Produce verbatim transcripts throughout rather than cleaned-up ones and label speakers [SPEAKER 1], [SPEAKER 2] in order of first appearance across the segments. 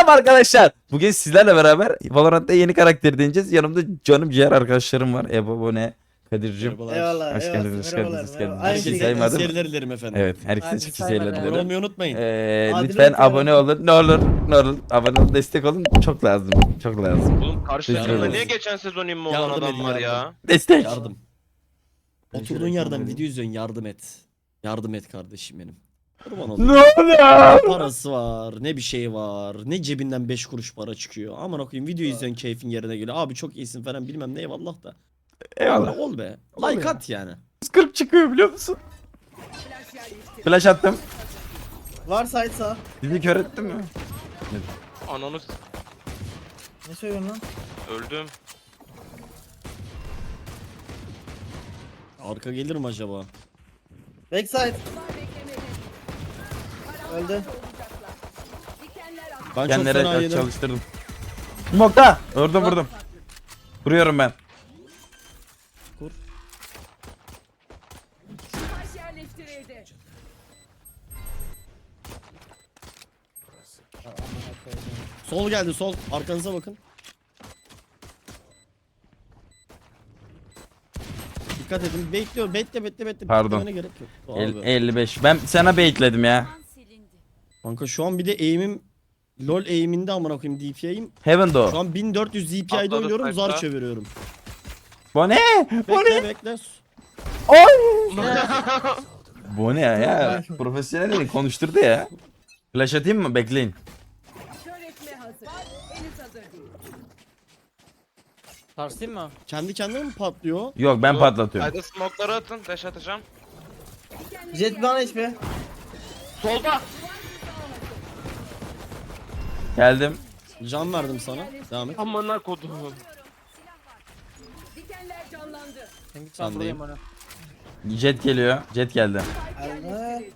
[SPEAKER 1] arkadaşlar. Bugün sizlerle beraber Valorant'ta yeni karakter deneyeceğiz. Yanımda canım ciğer arkadaşlarım var. Ebo, Bone, Kadir'cim.
[SPEAKER 2] Merhabalar.
[SPEAKER 3] Eyvallah.
[SPEAKER 1] Hoş
[SPEAKER 3] eyvallah,
[SPEAKER 1] geldiniz, hoş
[SPEAKER 3] merhabalar,
[SPEAKER 1] geldiniz, hoş
[SPEAKER 3] merhaba.
[SPEAKER 1] geldiniz.
[SPEAKER 3] Aynı
[SPEAKER 1] Herkes
[SPEAKER 3] şekilde.
[SPEAKER 1] saymadım.
[SPEAKER 2] Seriler dilerim efendim.
[SPEAKER 1] Evet, herkese
[SPEAKER 3] Hadi
[SPEAKER 1] sizi
[SPEAKER 3] saymadım.
[SPEAKER 2] Abone
[SPEAKER 1] seyirler.
[SPEAKER 2] olmayı unutmayın.
[SPEAKER 1] Ee,
[SPEAKER 3] Adil
[SPEAKER 1] lütfen
[SPEAKER 3] unutmayalım.
[SPEAKER 1] abone olun. Ne olur, ne olur. Abone olun, destek olun. Çok lazım. Çok lazım.
[SPEAKER 4] Oğlum karşı
[SPEAKER 1] Teşekkür
[SPEAKER 4] takımda
[SPEAKER 1] ederiz.
[SPEAKER 4] niye geçen sezon immi olan
[SPEAKER 2] Yardım
[SPEAKER 4] adam
[SPEAKER 2] edin,
[SPEAKER 4] var
[SPEAKER 2] yardım.
[SPEAKER 4] ya?
[SPEAKER 1] Destek.
[SPEAKER 2] Yardım. Oturduğun yerden video izliyorsun, yardım et. Yardım et kardeşim benim. Kurban olayım.
[SPEAKER 1] Ne oluyor?
[SPEAKER 2] Ne parası var, ne bir şey var, ne cebinden beş kuruş para çıkıyor. Aman okuyayım, video izliyorsun, keyfin yerine geliyor. Abi çok iyisin falan bilmem ne, eyvallah da.
[SPEAKER 1] Eyvallah.
[SPEAKER 2] Ol be.
[SPEAKER 1] Ol
[SPEAKER 2] Like
[SPEAKER 1] ya.
[SPEAKER 2] at yani.
[SPEAKER 1] yüz kırk çıkıyor biliyor musun? Flash attım.
[SPEAKER 3] Var site sağ.
[SPEAKER 1] Bizi kör ettin mi?
[SPEAKER 4] Ananı s-
[SPEAKER 3] Ne söylüyorsun lan?
[SPEAKER 4] öldüm.
[SPEAKER 2] Arka gelir mi acaba?
[SPEAKER 3] Backside. Öldü.
[SPEAKER 2] Ben çok
[SPEAKER 1] Kendileri
[SPEAKER 2] fena yedim.
[SPEAKER 1] çalıştırdım. Mokta. Vurdum vurdum. Vuruyorum ben.
[SPEAKER 2] Kur.
[SPEAKER 5] Taş yerleştirildi.
[SPEAKER 2] Sol geldi sol. Arkanıza bakın. Dikkat edin. Bekliyor. Bekle bekle bekle.
[SPEAKER 1] Pardon.
[SPEAKER 2] Beklemene gerek yok.
[SPEAKER 1] El-
[SPEAKER 2] Abi.
[SPEAKER 1] elli beş. Ben sana baitledim ya.
[SPEAKER 5] Silindi.
[SPEAKER 2] Kanka şu an bir de aim'im LoL aim'inde amına koyayım D P I'yim.
[SPEAKER 1] Heaven do.
[SPEAKER 2] Şu an bin dört yüz D P I'de
[SPEAKER 4] Atladı
[SPEAKER 2] oynuyorum, zar
[SPEAKER 4] sayfa.
[SPEAKER 2] çeviriyorum.
[SPEAKER 1] Bu ne? Bu ne?
[SPEAKER 2] Bekle bekle.
[SPEAKER 1] Oy! Bu ne ya? Profesyonel değil, konuşturdu ya. Flash atayım mı? Bekleyin.
[SPEAKER 5] Kör etme hazır. Henüz hazır değil.
[SPEAKER 6] Sarsayım mı?
[SPEAKER 2] Kendi kendine mi patlıyor?
[SPEAKER 1] Yok ben patlatıyorum.
[SPEAKER 4] Haydi smoke'ları atın, dash atacağım.
[SPEAKER 3] Jet bana H P.
[SPEAKER 4] Solda!
[SPEAKER 1] Geldim.
[SPEAKER 2] Can verdim sana. Devam et.
[SPEAKER 4] Amına kodum.
[SPEAKER 5] Dikenler canlandı.
[SPEAKER 6] Sen git
[SPEAKER 2] Sen
[SPEAKER 6] ben buradayım
[SPEAKER 2] deyim.
[SPEAKER 6] onu.
[SPEAKER 1] Jet geliyor. Jet geldi.
[SPEAKER 5] Yerleştirildi.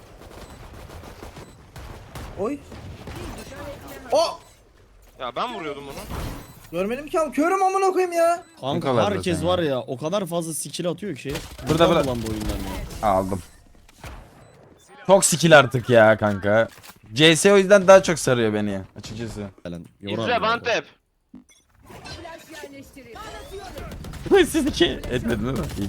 [SPEAKER 3] Oy. Oh!
[SPEAKER 4] Ya ben vuruyordum onu.
[SPEAKER 3] Görmedim ki abi. Körüm amına koyayım ya.
[SPEAKER 2] Kanka
[SPEAKER 1] kadar
[SPEAKER 2] herkes
[SPEAKER 1] zaten
[SPEAKER 2] var
[SPEAKER 1] ya.
[SPEAKER 2] ya o kadar fazla skill atıyor ki.
[SPEAKER 1] Burada, burada.
[SPEAKER 2] Lan bu oyundan ya.
[SPEAKER 1] Aldım. Çok skill artık ya kanka. C S o yüzden daha çok sarıyor beni açıkçası.
[SPEAKER 2] Falan. yorar
[SPEAKER 4] İzle
[SPEAKER 2] ya.
[SPEAKER 4] Bantep.
[SPEAKER 5] Flash yerleştirildi.
[SPEAKER 1] Siz iki etmedin değil mi? İyi.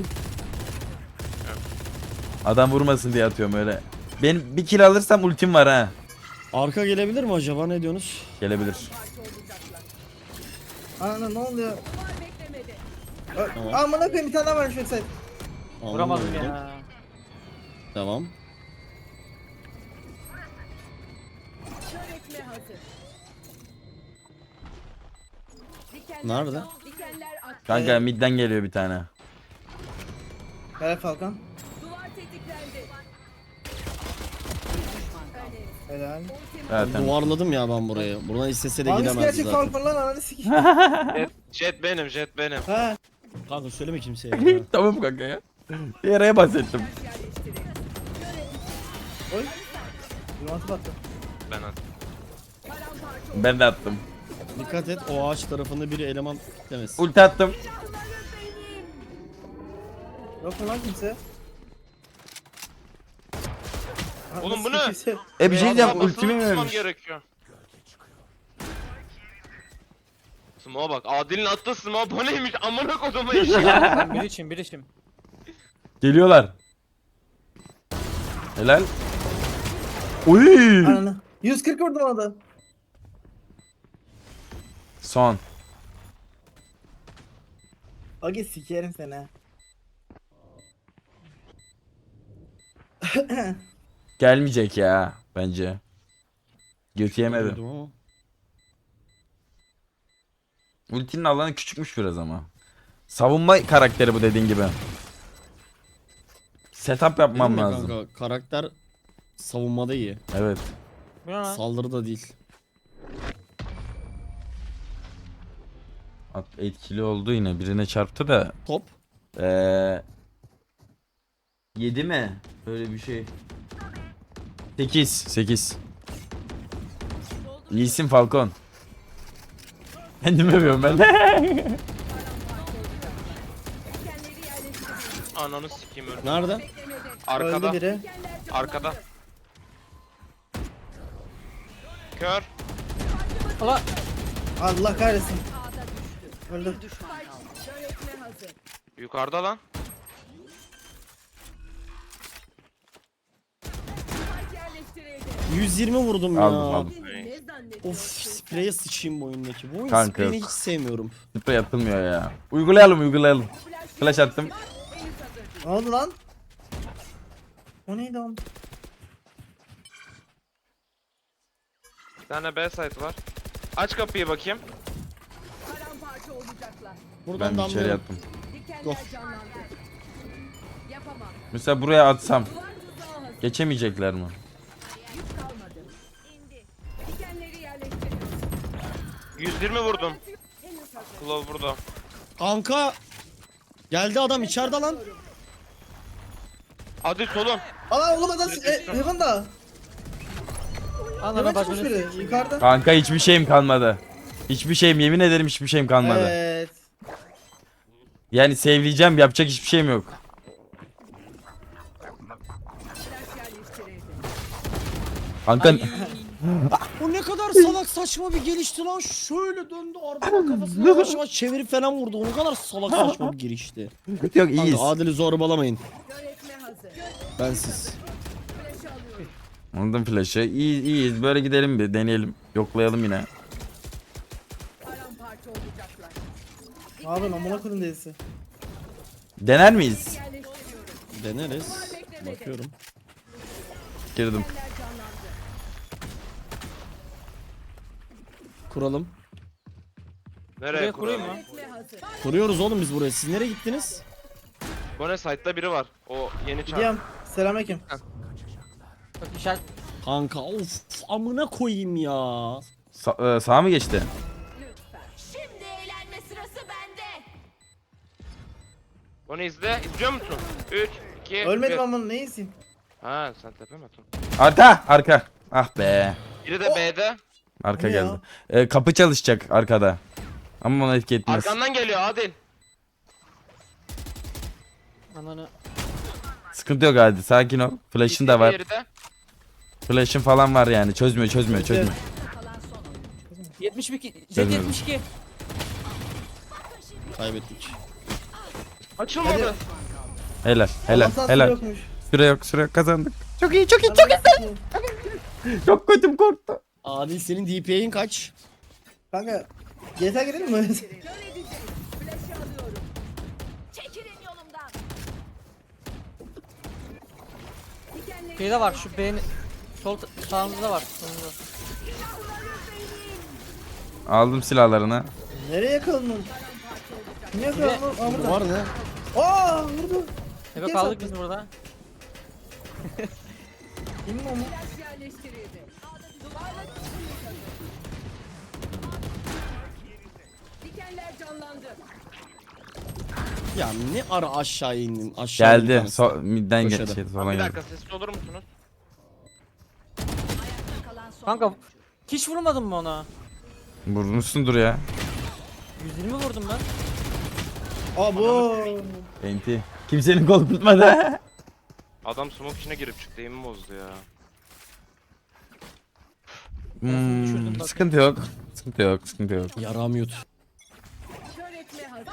[SPEAKER 1] Adam vurmasın diye atıyorum öyle. Benim bir kill alırsam ultim var ha.
[SPEAKER 2] Arka gelebilir mi acaba, ne diyorsunuz?
[SPEAKER 1] Gelebilir.
[SPEAKER 3] Ana ne oluyor?
[SPEAKER 5] Var beklemedi.
[SPEAKER 3] Ö-
[SPEAKER 2] Tamam.
[SPEAKER 3] Amına koyayım bir tane daha varmış backside.
[SPEAKER 6] Vuramadım
[SPEAKER 2] Anladım.
[SPEAKER 6] ya.
[SPEAKER 2] Devam.
[SPEAKER 5] Kör etme hazır. Dikenler
[SPEAKER 2] Nerede?
[SPEAKER 5] can- Dikenler attı.
[SPEAKER 1] Kanka midden geliyor bir tane.
[SPEAKER 3] Helal Falcon.
[SPEAKER 5] Duvar tetiklendi.
[SPEAKER 3] Helal.
[SPEAKER 1] Evet, tamam.
[SPEAKER 2] Duvarladım ya ben burayı. Buradan istese de
[SPEAKER 3] Hangisi
[SPEAKER 2] gidemezdi
[SPEAKER 3] gerçek
[SPEAKER 2] zaten.
[SPEAKER 3] Falcon lan ananı sikeyim.
[SPEAKER 4] Jet, jet benim, jet benim.
[SPEAKER 3] Ha.
[SPEAKER 2] Kanka söyleme kimseye ya.
[SPEAKER 1] Tamam kanka ya. Bir araya bahsettim.
[SPEAKER 5] Flash yerleştirildi.
[SPEAKER 3] Oy. Yumantı battı.
[SPEAKER 4] Ben attım.
[SPEAKER 5] Paramparça
[SPEAKER 1] Ben de attım.
[SPEAKER 2] Dikkat et, o ağaç tarafında biri eleman demesin.
[SPEAKER 1] Ulti attım.
[SPEAKER 3] Yok mu lan kimse?
[SPEAKER 4] Oğlum
[SPEAKER 3] Nasıl
[SPEAKER 4] bu ne?
[SPEAKER 3] kimse?
[SPEAKER 1] E bir şey diyeceğim
[SPEAKER 4] Basılı
[SPEAKER 1] ultimi mi
[SPEAKER 4] tutmam
[SPEAKER 1] vermiş?
[SPEAKER 4] gerekiyor. Smoke'a bak. Adil'in attığı smoke bu neymiş? Amına koduma işi.
[SPEAKER 6] Ben bir içim bir içim.
[SPEAKER 1] Geliyorlar. Helal. Uy.
[SPEAKER 3] Ananı. yüz kırk vurdum ona da.
[SPEAKER 1] Son.
[SPEAKER 3] Agi sikerim seni ha.
[SPEAKER 1] Gelmeyecek ya bence. Götü yemedi.
[SPEAKER 2] Duydum ama.
[SPEAKER 1] Ultinin alanı küçükmüş biraz ama. Savunma karakteri bu dediğin gibi. Setup yapmam
[SPEAKER 2] Dedim ya
[SPEAKER 1] lazım.
[SPEAKER 2] Kanka, karakter savunmada iyi.
[SPEAKER 1] Evet.
[SPEAKER 6] Bu ne lan?
[SPEAKER 2] Saldırıda değil.
[SPEAKER 1] At etkili oldu yine. Birine çarptı da.
[SPEAKER 2] Top.
[SPEAKER 1] Ee, yedi mi? Öyle bir şey. sekiz. sekiz. İyisin Falcon. Kendimi övüyorum ben.
[SPEAKER 5] dikenleri yerleştirildi.
[SPEAKER 4] Ananı sikeyim öldüm.
[SPEAKER 2] Nerede?
[SPEAKER 5] Beklemedi.
[SPEAKER 4] Arkada.
[SPEAKER 3] Öldü biri.
[SPEAKER 5] Dikenler canlandı.
[SPEAKER 4] Arkada. Kör.
[SPEAKER 6] Ulan
[SPEAKER 3] Allah kahretsin. Öldü.
[SPEAKER 5] Öğretme hazır.
[SPEAKER 4] Yukarıda lan.
[SPEAKER 5] Spike yerleştirildi.
[SPEAKER 2] yüz yirmi vurdum ya.
[SPEAKER 1] Aldım aldım.
[SPEAKER 5] Kendini ne zannediyorsun?
[SPEAKER 2] Of spreye sıçayım bu oyundaki. Bu oyun
[SPEAKER 1] Kanka
[SPEAKER 2] spreyini
[SPEAKER 1] yok.
[SPEAKER 2] hiç sevmiyorum.
[SPEAKER 1] Sprey atılmıyor ya. Uygulayalım uygulayalım. Flash attım.
[SPEAKER 5] Henüz hazır.
[SPEAKER 3] Ne oldu lan? O neydi oğlum?
[SPEAKER 4] Bir tane B site var. Aç kapıyı bakayım.
[SPEAKER 5] Paramparça olacaklar.
[SPEAKER 2] Buradan
[SPEAKER 1] Ben içeri
[SPEAKER 2] damlıyorum.
[SPEAKER 1] yattım.
[SPEAKER 5] Dikenler
[SPEAKER 2] Of.
[SPEAKER 5] canlandı. Yapamam.
[SPEAKER 1] Mesela buraya atsam
[SPEAKER 5] Duvar tuzağı hazır.
[SPEAKER 1] geçemeyecekler mi?
[SPEAKER 5] Yük kalmadı. İndi. Dikenleri yerleştiriyor.
[SPEAKER 4] yüz yirmi vurdum.
[SPEAKER 5] Henüz hazır.
[SPEAKER 4] Claw burada.
[SPEAKER 2] Kanka. Geldi adam içeride lan.
[SPEAKER 4] Hadi solun.
[SPEAKER 3] Aa oğlum adam e, Heaven'da.
[SPEAKER 6] ananı
[SPEAKER 3] Heaven çıkmış
[SPEAKER 6] bacını.
[SPEAKER 3] biri. Yukarıda.
[SPEAKER 1] Kanka hiçbir şeyim kalmadı. Hiçbir şeyim yemin ederim hiçbir şeyim kalmadı.
[SPEAKER 3] Evet.
[SPEAKER 1] Yani sevleyeceğim yapacak hiçbir şeyim yok.
[SPEAKER 5] Flash yerleştirildi.
[SPEAKER 1] Kanka
[SPEAKER 2] O ne kadar salak saçma bir gelişti lan. Şöyle döndü arkadan kafasını yavaş yavaş çevirip falan vurdu. O ne kadar salak saçma bir girişti.
[SPEAKER 1] yok iyiyiz.
[SPEAKER 2] Kanka Adil'i zorbalamayın.
[SPEAKER 5] Öğretme hazır.
[SPEAKER 2] Bensiz.
[SPEAKER 5] Flash alıyorum.
[SPEAKER 1] Anladım flash'ı. İyi, iyiyiz böyle gidelim bir deneyelim. Yoklayalım yine.
[SPEAKER 5] Paramparça olacaklar.
[SPEAKER 3] Ne yapıyorsun amına koydum delisi.
[SPEAKER 1] Dener miyiz?
[SPEAKER 5] Yerleştiriyorum.
[SPEAKER 2] Deneriz. Bakıyorum.
[SPEAKER 1] Girdim.
[SPEAKER 5] Dikenler canlandı.
[SPEAKER 2] Kuralım.
[SPEAKER 4] Nereye
[SPEAKER 6] Buraya kurayım
[SPEAKER 4] kuralım?
[SPEAKER 6] mı?
[SPEAKER 5] Öğretme hazır.
[SPEAKER 2] Kuruyoruz oğlum biz buraya. Siz nereye gittiniz?
[SPEAKER 4] Bu ne site'da biri var. O yeni çarp.
[SPEAKER 3] Gidiyorum. Selamünaleyküm.
[SPEAKER 6] Bak işaret.
[SPEAKER 2] Kanka of amına koyayım ya.
[SPEAKER 1] Sa- e, sağa mı geçti?
[SPEAKER 5] Lütfen. Şimdi eğlenme sırası bende.
[SPEAKER 4] Onu izle. İzliyor musun? üç, iki,
[SPEAKER 3] Ölmedim
[SPEAKER 4] bir.
[SPEAKER 3] ama ne iyisin?
[SPEAKER 4] Ha sen tepe mi atın?
[SPEAKER 1] Arka arka. Ah be.
[SPEAKER 4] Biri de B'de.
[SPEAKER 1] Arka
[SPEAKER 3] Ne
[SPEAKER 1] geldi.
[SPEAKER 3] ya?
[SPEAKER 1] E, kapı çalışacak arkada. Ama ona etki etmez.
[SPEAKER 4] Arkandan geliyor Adil.
[SPEAKER 6] Ananı.
[SPEAKER 1] Sıkıntı yok hadi sakin ol. Flash'ın da var.
[SPEAKER 4] Diğeri de.
[SPEAKER 1] Flash'ın falan var yani. Çözmüyor çözmüyor çözmüyor.
[SPEAKER 5] Kalan son oyuncu.
[SPEAKER 6] yetmiş iki. Jet
[SPEAKER 1] Gelmedim.
[SPEAKER 6] yetmiş iki.
[SPEAKER 2] Kaybettik.
[SPEAKER 4] Açılmadı.
[SPEAKER 1] Helal helal
[SPEAKER 3] Allah'tan
[SPEAKER 1] helal.
[SPEAKER 3] su yokmuş.
[SPEAKER 1] Süre yok süre yok kazandık. Çok iyi çok iyi çok iyi. Çok kötüm korktu.
[SPEAKER 2] Adil senin D P I'in kaç?
[SPEAKER 3] Kanka G T A girelim mi?
[SPEAKER 5] Kör edeceğim. Flash'ı alıyorum. Çekilin yolumdan. Dikenleri
[SPEAKER 6] Şeyde var şu beğeni. Sol t- sağımızda var. Sonunda.
[SPEAKER 1] Aldım silahlarını.
[SPEAKER 3] Nereye yakaladın? Niye yakaladın? Aa burada.
[SPEAKER 2] Var ne?
[SPEAKER 3] Aa vurdu.
[SPEAKER 6] Eve
[SPEAKER 3] Kes
[SPEAKER 6] kaldık
[SPEAKER 3] attı.
[SPEAKER 6] biz burada.
[SPEAKER 3] Kimin o mu?
[SPEAKER 5] flash yerleştirildi. Duvarla dikenler canlandı.
[SPEAKER 2] Ya ne ara aşağı indin? Aşağı indin bir
[SPEAKER 1] Geldi.
[SPEAKER 2] tanesi.
[SPEAKER 1] So midden
[SPEAKER 2] Köşede.
[SPEAKER 1] geçti
[SPEAKER 4] Bir
[SPEAKER 1] falan geldi.
[SPEAKER 4] dakika sessiz olur musunuz?
[SPEAKER 5] Kalan son
[SPEAKER 6] Kanka hiç vurmadın mı ona?
[SPEAKER 1] Vurmuşsundur ya.
[SPEAKER 6] yüz yirmi vurdum ben.
[SPEAKER 3] Aa bu.
[SPEAKER 1] Enti. Kimsenin kol tutmadı.
[SPEAKER 4] Adam smoke içine girip çıktı. Eğimi bozdu ya.
[SPEAKER 1] Hmm, sıkıntı yok. Sıkıntı yok. Sıkıntı yok.
[SPEAKER 2] Yaram yut.
[SPEAKER 5] kör etme hazır.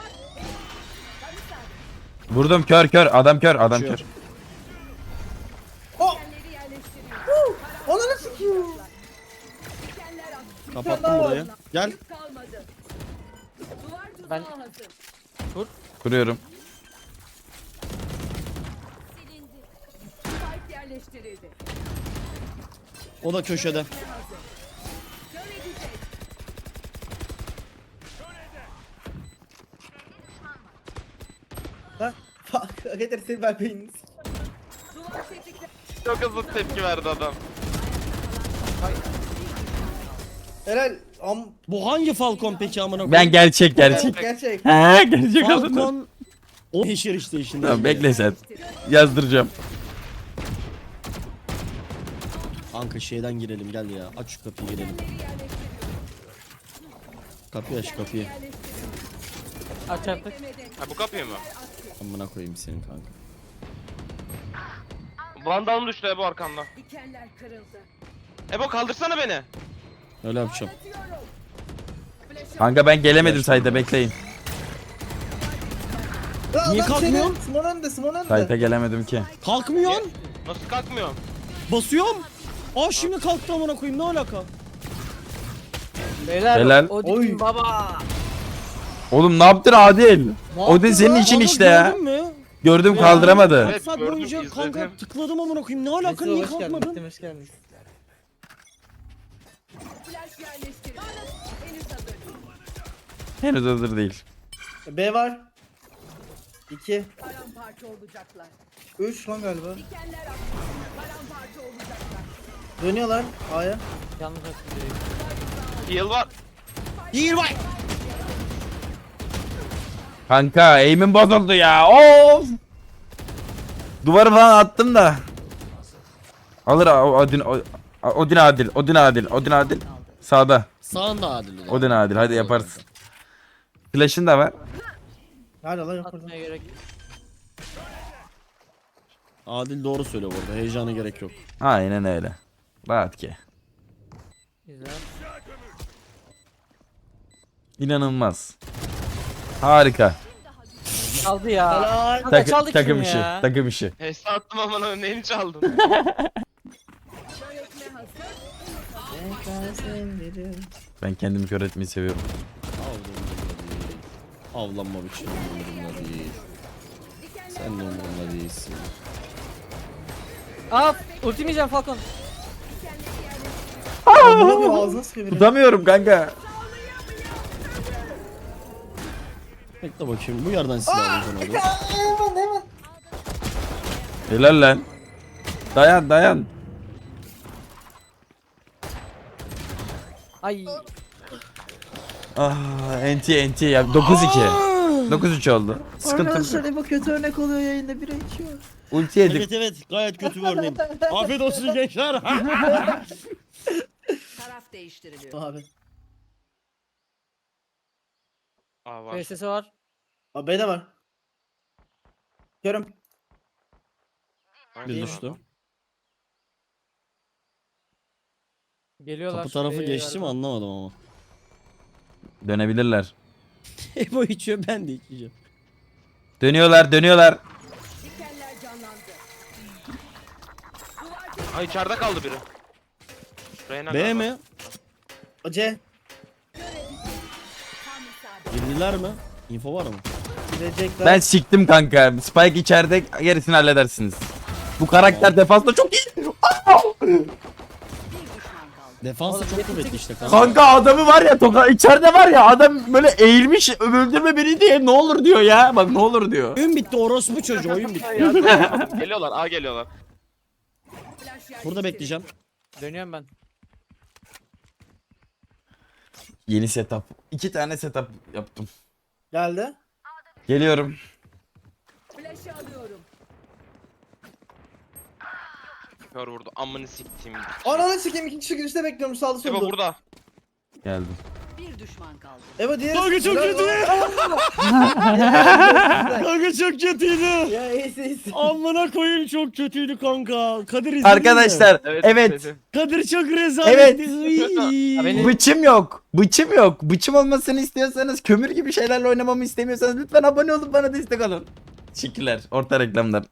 [SPEAKER 1] Vurdum kör kör. Adam kör. Adam
[SPEAKER 2] Kaçıyor.
[SPEAKER 1] kör.
[SPEAKER 5] Dikenleri yerleştiriyor.
[SPEAKER 3] Ananı sikiyor.
[SPEAKER 5] Dikenler attı.
[SPEAKER 2] Kapattım burayı. Gel.
[SPEAKER 5] Yük kalmadı. Duvar tuzağı
[SPEAKER 6] Ben-
[SPEAKER 5] hazır.
[SPEAKER 1] Kuruyorum.
[SPEAKER 5] Silindi. Spike yerleştirildi.
[SPEAKER 2] O da köşede.
[SPEAKER 5] Ne hazır. Kör edecek.
[SPEAKER 3] Ha? Fuck. Getir seni ben beynini.
[SPEAKER 5] Duvar tetikle.
[SPEAKER 4] Çok hızlı tepki verdi adam.
[SPEAKER 3] Helal. Am.
[SPEAKER 2] Bu hangi Falcon peki amına koyayım?
[SPEAKER 1] Ben gerçek gerçek.
[SPEAKER 3] Gerçek.
[SPEAKER 1] Ha gerçek aldım.
[SPEAKER 2] Falcon o yeşil işte işin.
[SPEAKER 1] Tamam bekle sen. Yazdıracağım.
[SPEAKER 2] Kanka şeyden girelim gel ya. Aç şu kapıyı girelim. Kapıyı aç kapıyı.
[SPEAKER 6] Aç artık.
[SPEAKER 4] Ha bu kapıyı mı?
[SPEAKER 2] Amına koyayım senin kanka.
[SPEAKER 4] Vandalım düştü Ebo arkamda.
[SPEAKER 5] Dikenler kırıldı.
[SPEAKER 4] Ebo kaldırsana beni.
[SPEAKER 2] Öyle yapacağım.
[SPEAKER 5] Anlatıyorum.
[SPEAKER 1] Kanka ben gelemedim sayda bekleyin.
[SPEAKER 3] Ya
[SPEAKER 2] Niye
[SPEAKER 3] adam seni-
[SPEAKER 2] kalkmıyor?
[SPEAKER 3] Simon önde, Simon önde.
[SPEAKER 1] Sayda gelemedim ki.
[SPEAKER 2] Kalkmıyorsun.
[SPEAKER 4] Nasıl kalkmıyorum?
[SPEAKER 2] Basıyorum. Aa şimdi kalktı amına koyayım ne alaka?
[SPEAKER 6] Beyler
[SPEAKER 1] Helal.
[SPEAKER 6] Odin
[SPEAKER 3] Oy.
[SPEAKER 6] baba.
[SPEAKER 1] Oğlum ne yaptın Adil?
[SPEAKER 2] Ne
[SPEAKER 1] O da
[SPEAKER 2] yaptın
[SPEAKER 1] senin
[SPEAKER 2] lan?
[SPEAKER 1] için
[SPEAKER 2] Adam
[SPEAKER 1] işte ya.
[SPEAKER 2] Gördün mü?
[SPEAKER 1] Gördüm
[SPEAKER 2] Ya.
[SPEAKER 1] kaldıramadı.
[SPEAKER 2] Kaç
[SPEAKER 4] Evet,
[SPEAKER 2] saat
[SPEAKER 4] gördüm,
[SPEAKER 2] boyunca kanka
[SPEAKER 4] izledim.
[SPEAKER 2] tıkladım amına koyayım ne alaka
[SPEAKER 3] Mesut,
[SPEAKER 2] niye
[SPEAKER 3] hoş geldin,
[SPEAKER 2] kalkmadın?
[SPEAKER 3] Mesut, hoş geldin.
[SPEAKER 5] Flash yerleştirin. Henüz hazır.
[SPEAKER 1] Henüz hazır değil.
[SPEAKER 3] B var. iki,
[SPEAKER 5] Paramparça olacaklar.
[SPEAKER 3] üç lan galiba.
[SPEAKER 5] Dikenler attı. Paramparça olacaklar.
[SPEAKER 3] Dönüyorlar A'ya.
[SPEAKER 6] Yanlış hatırlıyorum.
[SPEAKER 4] Heal var.
[SPEAKER 2] Değil vay.
[SPEAKER 1] Kanka aim'im bozuldu ya. Of. Duvarı falan attım da. Alır o- Odin o- Odin Adil. Odin Adil. Odin Adil. Sağda.
[SPEAKER 2] Sağında Adil. ulan.
[SPEAKER 1] Odin Adil. Hadi yaparsın. Flash'ın da var.
[SPEAKER 3] Nerede lan yok burada.
[SPEAKER 6] Atmaya gerek yok.
[SPEAKER 2] Adil doğru söylüyor burada heyecana gerek yok.
[SPEAKER 1] Aynen öyle. Rahat ki.
[SPEAKER 6] Güzel.
[SPEAKER 1] İnanılmaz. Harika.
[SPEAKER 6] Çaldı ya.
[SPEAKER 3] Helal.
[SPEAKER 6] Kanka
[SPEAKER 1] Tak-
[SPEAKER 6] çaldı
[SPEAKER 1] takım
[SPEAKER 6] kim
[SPEAKER 1] işi.
[SPEAKER 6] ya?
[SPEAKER 1] Takım işi.
[SPEAKER 4] Hesa attım ama neyini çaldın?
[SPEAKER 5] Öğretme hazır.
[SPEAKER 1] Ben kendimi kör etmeyi seviyorum.
[SPEAKER 2] Avlanma biçimi umurumda değil. Sen de umurumda değilsin.
[SPEAKER 6] Aa ultim yiyeceğim Falcon.
[SPEAKER 3] Amına koyayım, ağzına sıkıyor biri.
[SPEAKER 1] Tutamıyorum kanka.
[SPEAKER 2] Bekle bakayım bu yerden silah alacağım hadi.
[SPEAKER 3] Hemen hemen.
[SPEAKER 1] Helal lan. Dayan dayan.
[SPEAKER 6] Ay.
[SPEAKER 1] Ah enti enti ya dokuz iki. dokuz üç oldu. Sıkıntı
[SPEAKER 3] Arkadaşlar
[SPEAKER 1] yok.
[SPEAKER 3] Ebo kötü örnek oluyor yayında bira içiyor.
[SPEAKER 1] Ulti yedik.
[SPEAKER 2] Evet evet gayet kötü bir örneğim. Afiyet olsun gençler.
[SPEAKER 5] Taraf değiştiriliyor.
[SPEAKER 3] Abi.
[SPEAKER 4] Aa var.
[SPEAKER 6] B S S var.
[SPEAKER 3] Abi B'de var. Görüm.
[SPEAKER 2] Bir düştü.
[SPEAKER 6] Geliyorlar.
[SPEAKER 2] Kapı tarafı
[SPEAKER 6] B'ye
[SPEAKER 2] geçti mi
[SPEAKER 6] galiba.
[SPEAKER 2] anlamadım ama.
[SPEAKER 1] Dönebilirler.
[SPEAKER 2] Ebo içiyor ben de içeceğim.
[SPEAKER 1] Dönüyorlar dönüyorlar.
[SPEAKER 5] Dikenler canlandı.
[SPEAKER 4] Ay içeride kaldı biri. Reyna
[SPEAKER 2] B
[SPEAKER 4] galiba.
[SPEAKER 2] mi?
[SPEAKER 3] O C.
[SPEAKER 5] Tam isabet.
[SPEAKER 2] Girdiler mi? Info var mı?
[SPEAKER 3] Girecekler.
[SPEAKER 1] Ben siktim kanka. Spike içeride gerisini halledersiniz. Bu karakter defansta çok iyi.
[SPEAKER 5] Bir düşman kaldı.
[SPEAKER 2] Defansa
[SPEAKER 6] Oğlum,
[SPEAKER 2] çok kuvvetli işte kanka.
[SPEAKER 1] Kanka adamı var ya toka içeride var ya adam böyle eğilmiş öldürme beni diye ne olur diyor ya. Bak ne olur diyor.
[SPEAKER 2] Oyun bitti orospu çocuğu oyun bitti.
[SPEAKER 4] Geliyorlar A geliyorlar.
[SPEAKER 5] Flash yerleştirin.
[SPEAKER 2] Burada bekleyeceğim.
[SPEAKER 6] Dönüyorum ben.
[SPEAKER 1] Yeni setup. İki tane setup yaptım.
[SPEAKER 3] Geldi.
[SPEAKER 1] Geliyorum.
[SPEAKER 5] Flash'ı alıyorum.
[SPEAKER 4] Kör vurdu. Amını siktim.
[SPEAKER 3] Ananı sikeyim iki kişi girişte bekliyorum sağda
[SPEAKER 4] Ebo
[SPEAKER 3] solda.
[SPEAKER 4] burada.
[SPEAKER 1] Geldim.
[SPEAKER 5] Bir düşman kaldı.
[SPEAKER 3] Ebo diğeri.
[SPEAKER 2] Kanka çok kötü. Kanka çok kötüydü.
[SPEAKER 3] Ya iyisi iyisi.
[SPEAKER 2] Amına koyayım çok kötüydü kanka. Kadir izledin mi?
[SPEAKER 1] Arkadaşlar evet.
[SPEAKER 4] dedim.
[SPEAKER 2] Kadir çok rezaletti.
[SPEAKER 1] Evet.
[SPEAKER 2] Iy.
[SPEAKER 6] Ya beni-
[SPEAKER 1] Bıçım yok. Bıçım yok. Bıçım olmasını istiyorsanız kömür gibi şeylerle oynamamı istemiyorsanız lütfen abone olup bana destek olun. Teşekkürler. Orta reklamlar.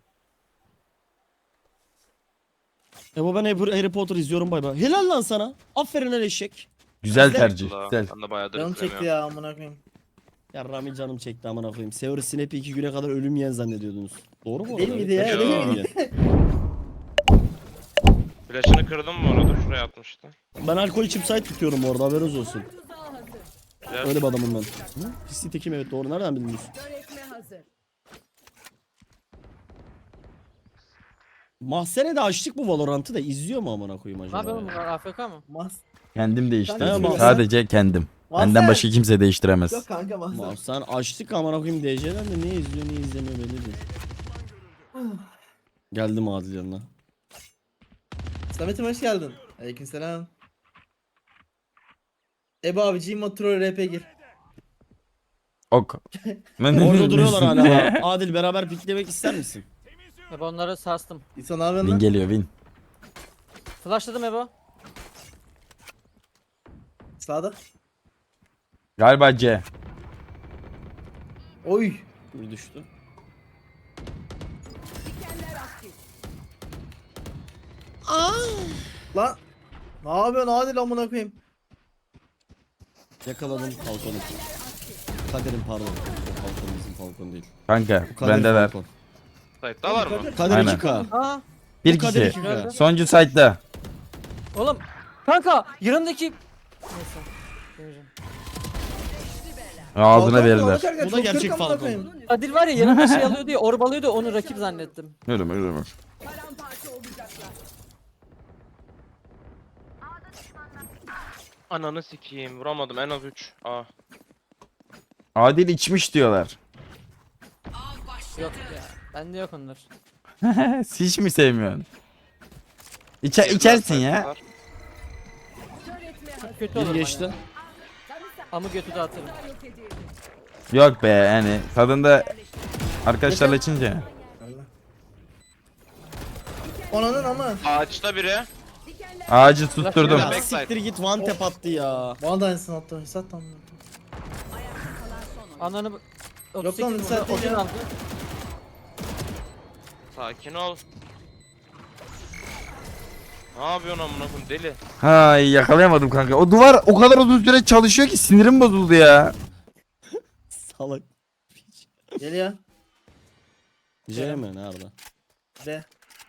[SPEAKER 2] Ebo ben Harry Harry Potter izliyorum bay bay. Helal lan sana. Aferin el eşek.
[SPEAKER 1] Güzel
[SPEAKER 2] Güzel.
[SPEAKER 1] tercih.
[SPEAKER 4] Allah,
[SPEAKER 1] Güzel.
[SPEAKER 4] Ben de bayağıdır
[SPEAKER 3] Canım çekti
[SPEAKER 4] izlemiyorum.
[SPEAKER 3] ya amına koyayım.
[SPEAKER 2] Ya Rami canım çekti amına koyayım. Severus'in hep iki güne kadar ölüm yiyen zannediyordunuz. Doğru mu?
[SPEAKER 3] Değil
[SPEAKER 2] orada?
[SPEAKER 3] miydi ya?
[SPEAKER 2] Evet,
[SPEAKER 4] Değil
[SPEAKER 2] ölüm
[SPEAKER 4] miydi?
[SPEAKER 2] yiyen.
[SPEAKER 4] Flash'ını kırdım mı orada? Şuraya atmıştı.
[SPEAKER 2] Ben alkol içip site tutuyorum orada haberiniz olsun.
[SPEAKER 5] Tuzağı hazır.
[SPEAKER 4] Flash.
[SPEAKER 2] Öyle bir adamım ben. Hı? Pisli tekim evet doğru. Nereden bildiniz?
[SPEAKER 5] Öğretme hazır.
[SPEAKER 2] Mahsene de açtık bu Valorant'ı da izliyor mu amına koyayım
[SPEAKER 6] Ne
[SPEAKER 2] acaba?
[SPEAKER 6] yapalım
[SPEAKER 2] ya?
[SPEAKER 6] bunlar A F K mı?
[SPEAKER 3] Mas.
[SPEAKER 1] Kendim değiştirdim.
[SPEAKER 2] Kanka,
[SPEAKER 1] Sadece kendim.
[SPEAKER 3] Mahsen.
[SPEAKER 1] Benden başka kimse değiştiremez.
[SPEAKER 3] Yok kanka mahzen.
[SPEAKER 2] Mahsen açtık amına koyayım D C'den de ne izliyor ne izlemiyor belli değil. Geldim Adil yanına.
[SPEAKER 3] Samet'im hoş geldin. Aleykümselam. Ebo abi Gmod Troll R P gir.
[SPEAKER 1] Ok.
[SPEAKER 2] Orada duruyorlar hala. Adil beraber piklemek ister misin?
[SPEAKER 6] Ebo onları sarstım.
[SPEAKER 3] İso ne yapıyorsun
[SPEAKER 1] Win
[SPEAKER 3] lan?
[SPEAKER 1] geliyor win.
[SPEAKER 6] Flashladım Ebo.
[SPEAKER 3] Sağda.
[SPEAKER 1] Galiba C.
[SPEAKER 3] Oy.
[SPEAKER 2] Bir düştü.
[SPEAKER 3] Lan. Ne yapıyorsun Adil amına koyayım?
[SPEAKER 2] Yakaladım Falcon'u. Kader'in pardon. O Falcon bizim Falcon değil.
[SPEAKER 1] Kanka
[SPEAKER 2] Bu Kader'in
[SPEAKER 1] bendeler.
[SPEAKER 2] Falcon.
[SPEAKER 4] Site'dalar mı?
[SPEAKER 2] Kader
[SPEAKER 1] Aynen.
[SPEAKER 2] iki K.
[SPEAKER 6] Aa
[SPEAKER 1] Bir
[SPEAKER 2] Bu Kader
[SPEAKER 1] kişi.
[SPEAKER 2] iki K.
[SPEAKER 1] Sonuncu site'da.
[SPEAKER 6] oğlum. Kanka yanındaki. Neyse. Demeyeceğim.
[SPEAKER 1] Ağzına
[SPEAKER 3] Falcon
[SPEAKER 1] verirler.
[SPEAKER 3] konuşarken
[SPEAKER 2] Bu da
[SPEAKER 3] çok
[SPEAKER 2] gerçek
[SPEAKER 3] kırk amına
[SPEAKER 2] Falcon.
[SPEAKER 3] koyayım.
[SPEAKER 6] Adil var ya yanında şey alıyordu ya orbalıyordu onu rakip zannettim.
[SPEAKER 1] Yürü yürü yürü.
[SPEAKER 4] Ananı sikeyim vuramadım en az üç. Aa.
[SPEAKER 1] Adil içmiş diyorlar.
[SPEAKER 6] Yok ya. Bende yok onlar.
[SPEAKER 1] Hiç mi sevmiyorsun? İçer, içersin ya.
[SPEAKER 6] Çok kötü
[SPEAKER 2] Bir
[SPEAKER 6] olur
[SPEAKER 2] geçti.
[SPEAKER 6] bana. Ama götü de atarım.
[SPEAKER 1] Yok be yani kadında arkadaşlarla içince.
[SPEAKER 3] Ananın ama.
[SPEAKER 4] Ağaçta biri.
[SPEAKER 1] Ağacı tutturdum.
[SPEAKER 2] Ya
[SPEAKER 4] Backside.
[SPEAKER 2] siktir git one tap attı ya.
[SPEAKER 3] Bana da aynısını attı. Hesat tam.
[SPEAKER 6] Ananı...
[SPEAKER 3] Yok lan,
[SPEAKER 6] otuz sekiz
[SPEAKER 3] sen
[SPEAKER 6] vurdu, Odin
[SPEAKER 3] ya.
[SPEAKER 6] aldı.
[SPEAKER 4] Sakin ol. Ne yapıyorsun amına koyayım deli?
[SPEAKER 1] Hay yakalayamadım kanka. O duvar o kadar uzun süre çalışıyor ki sinirim bozuldu ya.
[SPEAKER 2] Salak.
[SPEAKER 3] Gel ya.
[SPEAKER 2] J mi nerede?
[SPEAKER 3] De.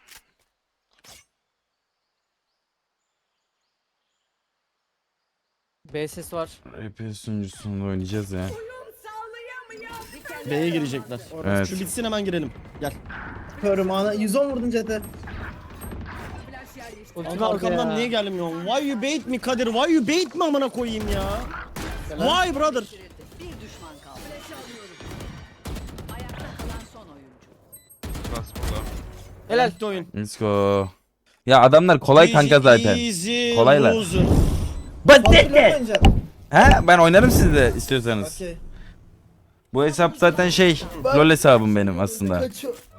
[SPEAKER 6] B ses var.
[SPEAKER 1] Epey sunucusunda oynayacağız ya.
[SPEAKER 2] B'ye girecekler.
[SPEAKER 1] Evet.
[SPEAKER 2] Şu bitsin hemen girelim. Gel.
[SPEAKER 3] Körüm ana. yüz on vurdun Cete.
[SPEAKER 6] Ultimi
[SPEAKER 2] Abi
[SPEAKER 6] aldı
[SPEAKER 2] arkamdan
[SPEAKER 6] ya.
[SPEAKER 2] niye gelmiyorsun? Why you bait me Kadir? Why you bait me amına koyayım ya? Why brother?
[SPEAKER 5] Bir düşman kaldı. Ayakta kalan son oyuncu.
[SPEAKER 4] Nasıl burada?
[SPEAKER 6] Helal.
[SPEAKER 2] Bitti oyun.
[SPEAKER 1] Let's go. Ya adamlar kolay kanka zaten.
[SPEAKER 2] Easy
[SPEAKER 1] Kolaylar.
[SPEAKER 2] loser.
[SPEAKER 1] But
[SPEAKER 3] Fatih ne oynayacaksın?
[SPEAKER 1] He ben oynarım sizle istiyorsanız.
[SPEAKER 3] Okey.
[SPEAKER 1] Bu hesap zaten şey LoL hesabım benim aslında.
[SPEAKER 3] Kaçıyor.